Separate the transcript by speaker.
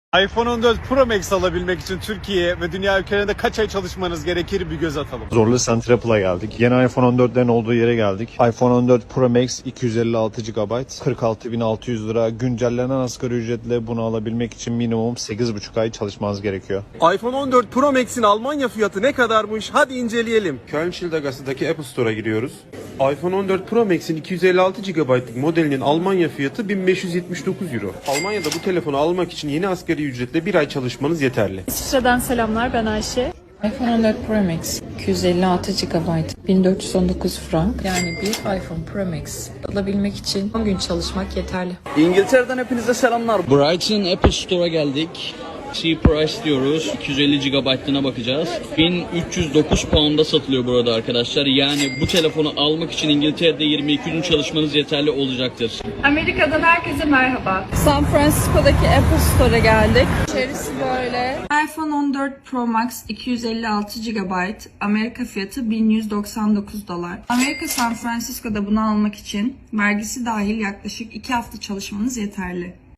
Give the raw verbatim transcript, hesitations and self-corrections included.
Speaker 1: iPhone on dört Pro Max alabilmek için Türkiye ve dünya ülkelerinde kaç ay çalışmanız gerekir bir göz atalım.
Speaker 2: Zorlu Center Apple'a geldik. Yeni iPhone on dörtlerin olduğu yere geldik. iPhone on dört Pro Max iki yüz elli altı gigabayt, kırk altı bin altı yüz lira. Güncellenen asgari ücretle bunu alabilmek için minimum sekiz buçuk ay çalışmanız gerekiyor.
Speaker 3: iPhone on dört Pro Max'in Almanya fiyatı ne kadarmış? Hadi inceleyelim.
Speaker 4: Köln Schildergasse'daki Apple Store'a giriyoruz. iPhone on dört Pro Max'in iki yüz elli altı gigabaytlık modelinin Almanya fiyatı bin beş yüz yetmiş dokuz euro. Almanya'da bu telefonu almak için yeni asgari ücretle bir ay çalışmanız yeterli.
Speaker 5: İsviçre'den selamlar, ben Ayşe.
Speaker 6: iPhone on dört Pro Max iki yüz elli altı gigabayt, bin dört yüz on dokuz frank. Yani bir iPhone Pro Max alabilmek için on gün çalışmak yeterli.
Speaker 3: İngiltere'den hepinize selamlar.
Speaker 7: Brighton Apple Store'a geldik. C Price diyoruz. iki yüz elli gigabayt'ına bakacağız. bin üç yüz dokuz pound'a satılıyor burada arkadaşlar. Yani bu telefonu almak için İngiltere'de yirmi iki gün çalışmanız yeterli olacaktır.
Speaker 5: Amerika'dan herkese merhaba.
Speaker 8: San Francisco'daki Apple Store'a geldik. İçerisi böyle. iPhone on dört Pro Max iki yüz elli altı gigabayt. Amerika fiyatı bin yüz doksan dokuz dolar. Amerika San Francisco'da bunu almak için vergisi dahil yaklaşık iki hafta çalışmanız yeterli.